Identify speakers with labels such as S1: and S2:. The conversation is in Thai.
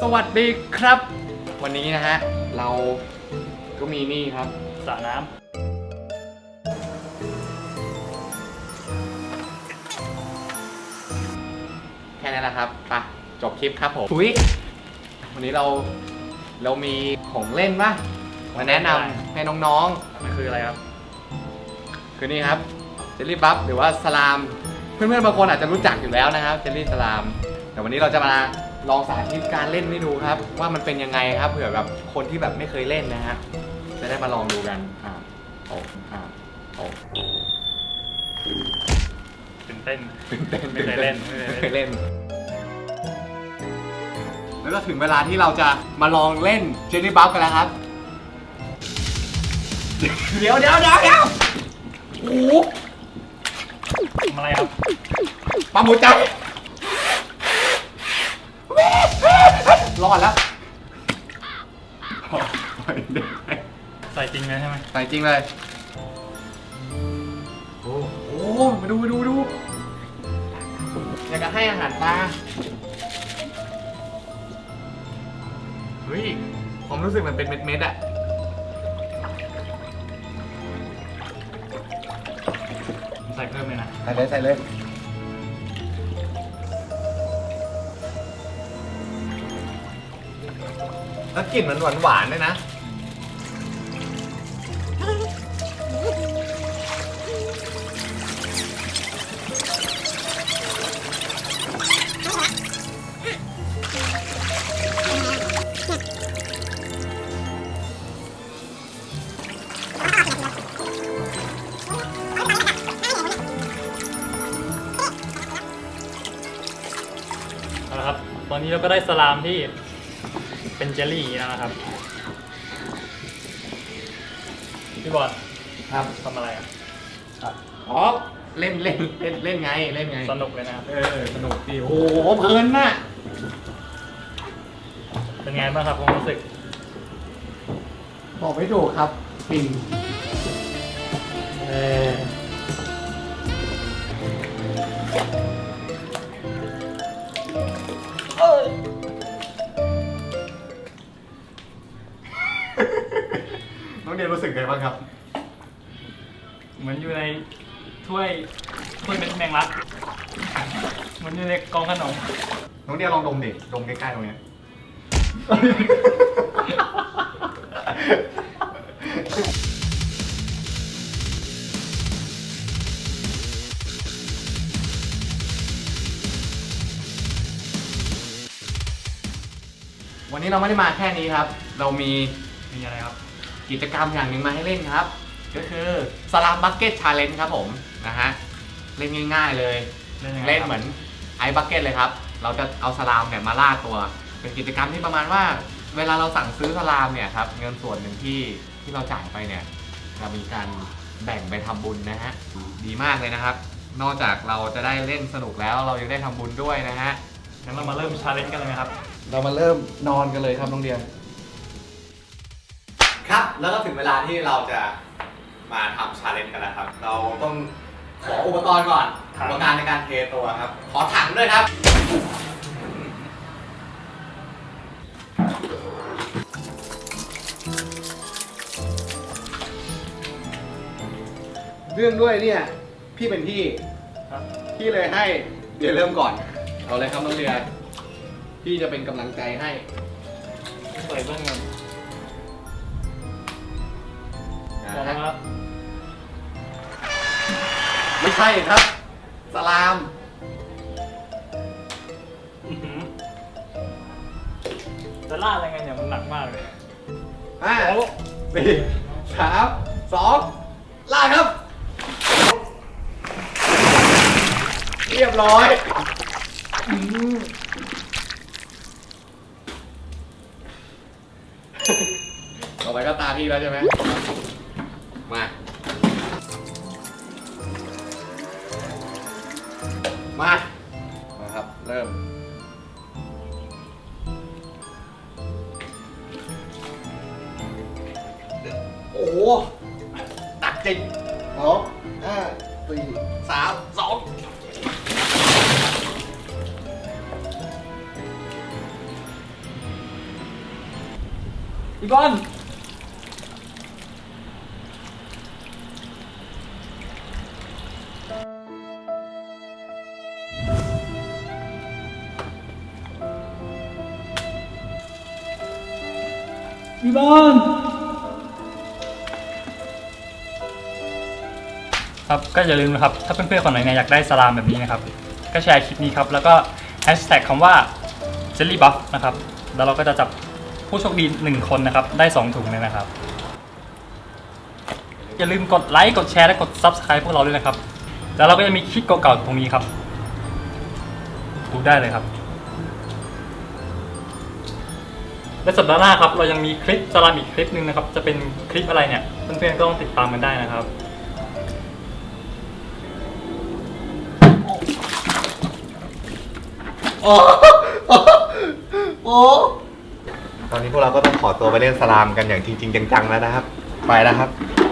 S1: สวัสดีครับวันนี้นะฮะเราก็มีนี่ครับสระน้ำแค่นั้นแหละครับไปจบคลิปครับผมทุยวันนี้เรามีของเล่นป่ะมาแนะนำให้น้องๆมันคืออะไรครับคือนี่ครับเจลลี่บัฟหรือว่าสลามเพื่อนๆบางคนอาจจะรู้จักอยู่แล้วนะครับเจลลี่สลามแต่วันนี้เราจะมาลองสาธิตการเล่นให้ดูครับว่ามันเป็นยังไงครับเผื่อแบบคนที่แบบไม่เคยเล่นนะฮะจะได้มาลองดูกันตื่นเต้นไม่เคยเล่นแล้วก็ถึงเวลาที่เราจะมาลองเล่นเจลลี่บัฟกันแล้วครับเดี๋ยวโอ้โหทำอะไรครับปั๊มหัวใจรอดแล้วใส่จริงเลยใช่ไหมใส่จริงเลยโอ้โหมาดูอยากจะให้อาหารปลาเฮ้ยผมรู้สึกมันเป็นเม็ดๆอะใส่เพิ่มเลยนะใส่เลยแล้วกลิ่นมันหวานด้วยนะเอาละครับตอนนี้เราก็ได้สลามที่เป็นเจลลี่อย่างนี้แล้วนะครับพี่บอลครับทำอะไรอ่ะอ๋อเล่นไงสนุกเลยนะครับสนุกดีโอ้โหเพลินน่ะเป็นไงบ้างครับความรู้สึกบอกไม่ถูกครับฟินน้องเดียรู้สึกไงบ้างครับเหมือนอยู่ในถ้วยเป็นแมงลักเหมือนอยู่ในกองขนมน้องเดียลองดมใกล้ๆตรงนี้วันนี้เราไม่ได้มาแค่นี้ครับเรามีอะไรครับกิจกรรมอย่างหนึ่งมาให้เล่นครับก็คือสลามบัคเก็ตชาเลนจ์ครับผมนะฮะเล่นง่ายๆเลยเล่นเหมือนไอซ์บัคเก็ตเลยครับเราจะเอาสลามเนี่ยมาล่าตัวเป็นกิจกรรมที่ประมาณว่าเวลาเราสั่งซื้อสลามเนี่ยครับเงินส่วนหนึ่งที่เราจ่ายไปเนี่ยจะมีการแบ่งไปทำบุญนะฮะดีมากเลยนะครับนอกจากเราจะได้เล่นสนุกแล้วเรายังได้ทำบุญด้วยนะฮะงั้นเรามาเริ่มชาเลนจ์กันเลยไหมครับเรามาเริ่มนอนกันเลยครับน้องเดียครับแล้วก็ถึงเวลาที่เราจะมาทำชาเลนจ์กันแล้วครับเราต้องขออุปกรณ์ก่อนอุปกรณ์ในการเทตัวครับขอถังด้วยครับเรื่องด้วยเนี่ยพี่เป็นพี่เลยให้เดี๋ยวเริ่มก่อนเอาเลยครับน้องเดียพี่จะเป็นกำลังใจให้ใส่เบื้องเงินนะครับไม่ใช่ครับสลามจะล่าอะไรไงเนี่ยมันหนักมากเลย5 4 3 2ล่าครับเรียบร้อยต่อไปก็ตาพี่แล้วใช่ไหมมาครับเริ่มโอ้โหตักจริง2 5 4 3 2
S2: พี่บอลพี่บอลครับก็อย่าลืมนะครับถ้าเพื่อนๆคนไหนเนี่ยอยากได้สลามแบบนี้นะครับก็แชร์คลิปนี้ครับแล้วก็แฮชแท็กคำว่า Jelly Buff นะครับแล้วเราก็จะจับผู้โชคดี1คนนะครับได้2ถุงเลยนะครับอย่าลืมกดไลค์กดแชร์และกด Subscribe พวกเราด้วยนะครับแล้วเราก็จะมีคลิปเก่าๆตรงนี้ครับดูได้เลยครับและสัปดาห์หน้าครับเรายังมีคลิปสลามอีกคลิปหนึ่งนะครับจะเป็นคลิปอะไรเนี่ยเพื่อนๆก็ต้องติดตามกันได้นะครับ
S1: โอ้โอ้ตอนนี้พวกเราก็ต้องขอตัวไปเล่นสลามกันอย่างจริงๆจังๆแล้วนะครับ ไปแล้วครับ